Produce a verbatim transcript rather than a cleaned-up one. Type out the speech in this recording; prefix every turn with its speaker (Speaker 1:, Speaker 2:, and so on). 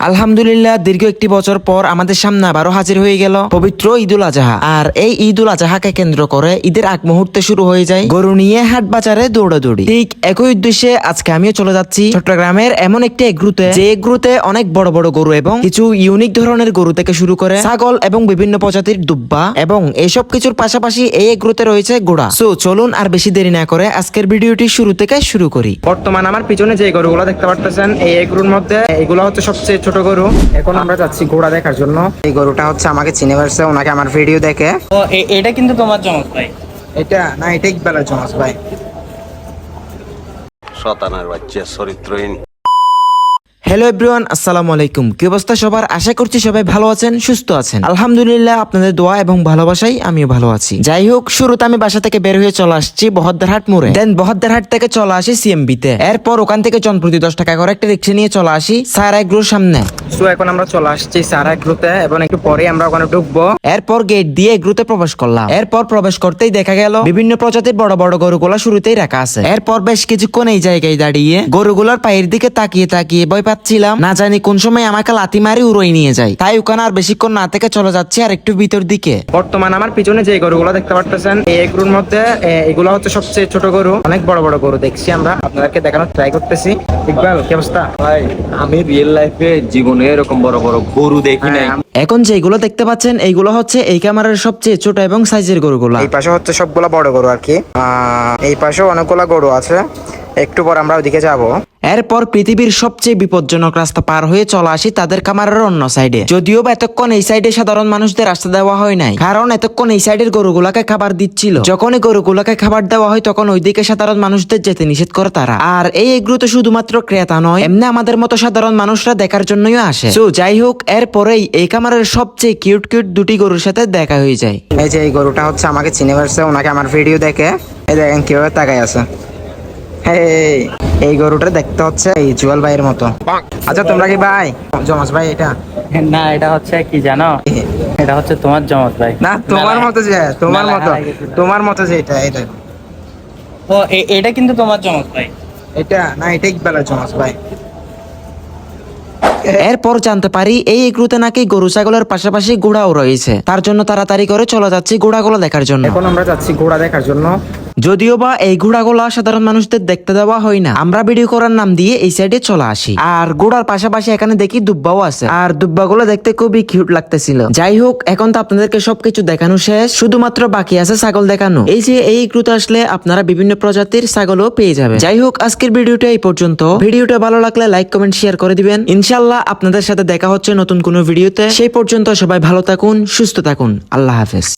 Speaker 1: আলহামদুলিল্লাহ দীর্ঘ একটি বছর পর আমাদের সামনে আবারও হাজির হয়ে গেল পবিত্র ঈদুল আজহা। আর এই ঈদুল আজহাকে কেন্দ্র করে ঈদের আগ মুহূর্তে শুরু হয়ে যায় গরু নিয়ে হাট বাজারে দৌড়াদৌড়ি। ঠিক একই উদ্দেশ্যে আজকে আমিও চলে যাচ্ছি চট্টগ্রামের এমন একটি এগ্রুতে, যে এগ্রুতে অনেক বড় বড় গরু এবং কিছু ইউনিক ধরনের গরু থেকে শুরু করে ছাগল এবং বিভিন্ন প্রজাতির দুব্বা এবং এইসব কিছুর পাশাপাশি এই এগ্রুতে রয়েছে ঘোড়া। সো চলুন আর বেশি দেরি না করে আজকের ভিডিওটি শুরু থেকে শুরু করি।
Speaker 2: বর্তমান আমার পিছনে যে গরুগুলো দেখতে পারতেছেন এই এগ্রুর মধ্যে এগুলো হচ্ছে সবচেয়ে ছোট গরু। এখন আমরা যাচ্ছি ঘোড়া দেখার জন্য। এই গরুটা হচ্ছে আমাকে চিনে পারছে, ওনাকে আমার ভিডিও দেখে।
Speaker 3: ও এ- এটা কিন্তু তোমার জমক ভাই।
Speaker 2: এটা না, এটা ইকবালের জমাস ভাই।
Speaker 4: শতানার বাচ্চা চরিত্রহীন।
Speaker 1: হ্যালো এভরিওয়ান, আসসালামু আলাইকুম। কি অবস্থা সবার? আশা করছি সবাই ভালো আছেন, সুস্থ আছেন। আলহামদুলিল্লাহ আপনাদের দোয়া এবং ভালোবাসাই আমিও ভালো আছি। যাই হোক, শুরুতে আমি বাসা থেকে বের হয়ে চলে আসছি বহদ্দারহাট মোড়ে। দেন বহদ্দারহাট থেকে চলে আসি সিএমবি তে। এরপর ওখান থেকে জনপ্রতি দশ টাকা করে একটা রিক্সা নিয়ে চলে আসি সারা এগ্রোর সামনে।
Speaker 2: সো এখন আমরা চলে আসছি সারা এগ্রুতে এবং একটু পরে আমরা ওখানে ঢুকবো।
Speaker 1: এরপর গেট দিয়ে এগ্রুতে প্রবেশ করলাম। এরপর প্রবেশ করতেই দেখা গেল বিভিন্ন প্রজাতির বড় বড় গরুগুলা শুরুতেই রাখা আছে। এরপর বেশ কিছুক্ষণ এই জায়গায় দাঁড়িয়ে গরুগুলার পায়ের দিকে তাকিয়ে তাকিয়ে ভয় পাচ্ছিলাম, না জানি কোন সময় আমাকে লাথি মারি উড়োই নিয়ে যায়। তাই ওখানে আর বেশিক্ষণ না থেকে চলে যাচ্ছি আর একটু ভিতর দিকে।
Speaker 2: বর্তমান আমার পিছনে যে গরুগুলো দেখতে পারতেছেন এই এগ্রুর মধ্যে এ- এগুলো হচ্ছে সবচেয়ে ছোট গরু। অনেক বড় বড় গরু দেখছি আমরা, আপনাদেরকে দেখানোর ট্রাই করতেছি। ইকবাল, কি অবস্থা?
Speaker 4: ভাই আমি রিয়েল লাইফে জীবনে এরকম বড় বড় গরু দেখি নাই।
Speaker 2: হ্যাঁ,
Speaker 1: এখন যেগুলো দেখতে পাচ্ছেন এইগুলো হচ্ছে এই ক্যামেরার সবচেয়ে ছোট এবং সাইজের গরুগুলা।
Speaker 2: এই পাশে হচ্ছে সবগুলা বড় গরু আর কি। আহ, এই পাশেও অনেকগুলা গরু আছে, একটু পর আমরা ওইদিকে যাবো।
Speaker 1: এরপর পৃথিবীর সবচেয়ে বিপজ্জনক রাস্তা পার হয়ে চলে আসি তাদের খামারের অন্য সাইডে। যদিও বা এতক্ষণ এই সাইডে সাধারণ মানুষদের রাস্তা দেওয়া হয় নাই, কারণ এতক্ষণ এই সাইডের গরুগুলাকে খাবার দিচ্ছিল। যখনই গরুগুলাকে খাবার দেওয়া হয় তখন ওইদিকে সাধারণ মানুষদের যেতে নিষেধ করে তারা। আর এই এগুলো শুধুমাত্র ক্রেতা নয়, এমনি আমাদের মতো সাধারণ মানুষরা দেখার জন্যই আসে। তো যাই হোক, এরপরেই এই খামারের সবচেয়ে কিউট কিউট দুটি গরুর সাথে দেখা হয়ে যায়।
Speaker 2: এই যে এই গরুটা হচ্ছে আমাকে চিনে পারছে, ওনাকে আমার ভিডিও দেখে। এই দেখেন কিভাবে তাকাই আছে। হেই, এই গরুটা দেখতে হচ্ছে এই জুয়াল ভাইয়ের মতো। আচ্ছা তোমরা কি ভাই? জমাস ভাই এটা?
Speaker 3: না, এটা হচ্ছে কি জানো, এটা হচ্ছে তোমার জমক ভাই।
Speaker 2: না তোমার মতো যে, তোমার
Speaker 3: মেলা
Speaker 2: মতো
Speaker 3: হারাই গেছিল।
Speaker 2: তোমার মতো যে এটা, এটা
Speaker 3: ও এ- এটা কিন্তু তোমার জমক ভাই।
Speaker 2: এটা না, এটা ইকবালের জমাস ভাই।
Speaker 1: এরপর জানতে পারি এই এগ্রুতে নাকি গরু ছাগলের পাশাপাশি ঘোড়াও রয়েছে। তার জন্য তাড়াতাড়ি করে চলে যাচ্ছি ঘোড়াগুলো দেখার জন্য।
Speaker 2: এখন আমরা যাচ্ছি ঘোড়া দেখার জন্য।
Speaker 1: যদিও বা এই ঘোড়াগুলা সাধারণ মানুষদের দেখতে দেওয়া হয় না, আমরা ভিডিও করার নাম দিয়ে এই সাইডে চলে আসি। আর ঘোড়ার পাশাপাশি এখানে দেখি দুব্বাও আছে, আর দুব্বাগুলো দেখতে খুবই কিউট লাগতেছিল। যাই হোক, এখন তো আপনাদেরকে সবকিছু দেখানো শেষ, শুধুমাত্র বাকি আছে ছাগল দেখানো। এই যে এই গ্রুতে আসলে আপনারা বিভিন্ন প্রজাতির ছাগলও পেয়ে যাবেন। যাই হোক, আজকের ভিডিওটা এই পর্যন্ত। ভিডিওটা ভালো লাগলে লাইক কমেন্ট শেয়ার করে দিবেন। ইনশাল্লাহ আপনাদের সাথে দেখা হচ্ছে নতুন কোনো ভিডিওতে। সেই পর্যন্ত সবাই ভালো থাকুন, সুস্থ থাকুন। আল্লাহ হাফেজ।